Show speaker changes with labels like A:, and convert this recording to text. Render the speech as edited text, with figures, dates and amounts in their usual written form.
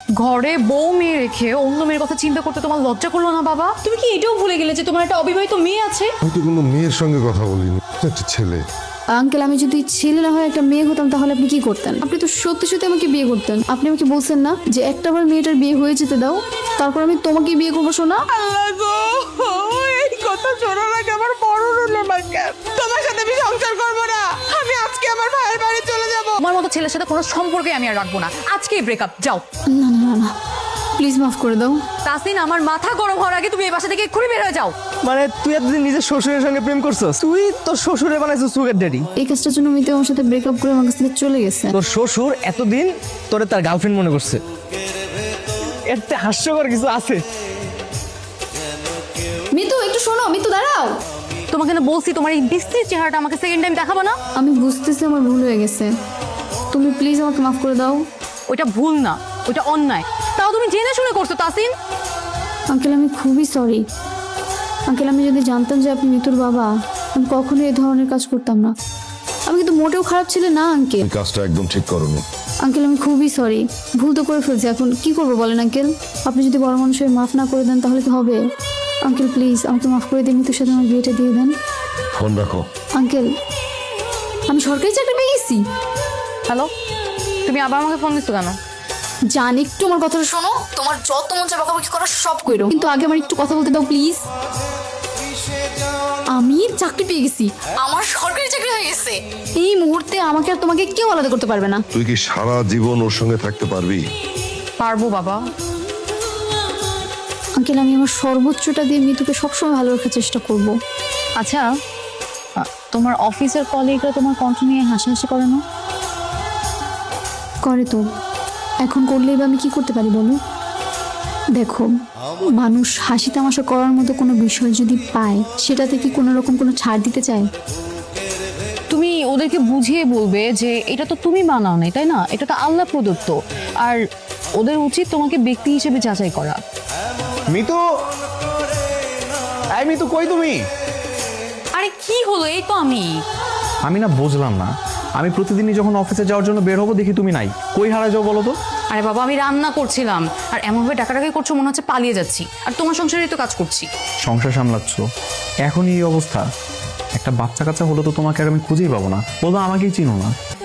A: ঘরে বউ মেয়ে রেখে অন্য মেয়ের কথা চিন্তা করতে তোমার লজ্জা করলো না বাবা? তুমি কি এটাও ভুলে গেলে যে তোমার একটা অবিবাহিত মেয়ে আছে?
B: আমি তো কোনো মেয়ের সঙ্গে কথা বলিনি, একটা ছেলে।
C: আঙ্কেল, আমি যদি ছেলে না হয় একটা মেয়ে হতাম তাহলে আপনি কি করতেন? আপনি তো সত্যি সত্যি আমাকে বিয়ে করতেন। আপনি আমাকে বলছেন না যে একটাবার মেয়েটার বিয়ে হয়ে যেতে দাও, তারপর আমি তোমাকে বিয়ে করবো। শোনা,
D: এই কথা শোনার আগে আমার বড় হলো না কেন? তোমার সাথে আমি সংসার করবো না। আমি আজকে আমার ভাইয়ের বাড়ি চলে যাব।
A: তোমার মতো ছেলের সাথে কোনো সম্পর্কে আমি আর রাখবো না। আজকেই ব্রেকআপ, যাও।
C: না না না না, প্লিজ মাফ করে দাও।
A: তাসিন, আমার মাথা গরম হওয়ার আগে তুমি এই বাসা থেকে এক্ষুনি বের হয়ে যাও।
E: মানে তুই এতদিন নিজের শ্বশুরের সঙ্গে প্রেম করছস? তুই তোর শ্বশুরে বানাইছিস সুগার ড্যাডি।
C: এই কাজটার জন্য মিতু আমার সাথে ব্রেকআপ করে আমার কাছ থেকে চলে গেছে।
E: তোর শ্বশুর এতদিন তোরে তার গার্লফ্রেন্ড মনে করছে। এতে হাস্যকর কিছু আছে?
C: মিতু, একটু শোনো। মিতু, দাঁড়াও।
A: তোমাকে না বলছি তোমার এই বিশ্রী চেহারাটা আমাকে সেকেন্ড টাইম দেখাবো না।
C: আমি বুঝতেছি আমার ভুল হয়ে গেছে, তুমি প্লিজ আমাকে মাফ করে দাও।
A: ওইটা ভুল না, ওইটা অন্যায়। তাও তুমি জেনে শুনে করছো তাসিন।
C: আঙ্কেল, আমি খুবই সরি। আঙ্কেল, আমি যদি জানতাম যে আপনি মিতুর বাবা, আমি কখনোই এই ধরনের কাজ করতাম না। আমি কিন্তু মোটেও খারাপ ছিল না আঙ্কেল।
B: এই কাজটা একদম ঠিক করোনি।
C: আঙ্কেল, আমি খুবই সরি। ভুল তো করে ফেলছি, এখন কি করবো বলেন আঙ্কেল? আপনি যদি বড় মানুষ হয়ে মাফ না করে দেন তাহলে কি হবে? আঙ্কেল প্লিজ আমাকে মাফ করে দিয়ে মিতুর সাথে আমার বিয়েটা দিয়ে দেন।
B: ফোন রাখো।
C: আঙ্কেল, আমি সরকারি চাকরি পেয়ে গেছি।
A: হ্যালো, তুমি আবার আমাকে ফোন দিচ্ছ কেন?
C: জান, একটু আমার কথাটা শোনো। তোমার যত মন চায় বকাবকি করো সব কইরো, কিন্তু আগে আমার একটু কথা বলতে দাও প্লিজ। আমি চাকরি পেয়ে গেছি, আমার সরকারি চাকরি হয়ে গেছে। এই মুহূর্তে আমাকে আর তোমাকে কেউ আলাদা করতে পারবে না।
B: তুই কি সারা জীবন ওর সঙ্গে থাকতে পারবি?
A: পারবো বাবা।
C: আঙ্কেল, আমি আমার সর্বোচ্চটা দিয়ে মিতুকে সবসময় ভালো রাখার চেষ্টা করব।
A: আচ্ছা, তোমার অফিসের কলিগরা তোমার কণ্ঠ নিয়ে হাসাহাসি করে না?
C: করে তো। এখন করলেই বা আমি কি করতে পারি বলো? দেখো, মানুষ হাসি তামাশা করার মতো কোনো বিষয় যদি পায়, সেটাতে কি কোনো রকম কোনো ছাড় দিতে চায়?
A: তুমি ওদেরকে বুঝিয়ে বলবে যে এটা তো তুমি বানাও নাই, তাই না? এটা তো আল্লাহ প্রদত্ত। আর ওদের উচিত তোমাকে ব্যক্তি হিসেবে যাচাই করা।
E: মিতু, এই মিতু, কই তুমি?
A: আরে কি হলো? এই তো
F: আমি না বুঝলাম না, আমি প্রতিদিনই যখন অফিসে যাওয়ার জন্য বের হবো দেখি তুমি নাই। কই হারা যাও বলো তো?
A: আরে বাবা, আমি রান্না করছিলাম। আর এমনভাবে ডাকাডাকি করছো মনে হচ্ছে পালিয়ে যাচ্ছি। আর তোমার সংসারেই তো কাজ করছি।
F: সংসার সামলাচ্ছ, এখনই এই অবস্থা। একটা বাচ্চা কাচ্চা হলো তো তোমাকে আর আমি খুঁজেই পাবো না, বলবো আমাকেই চিনো না।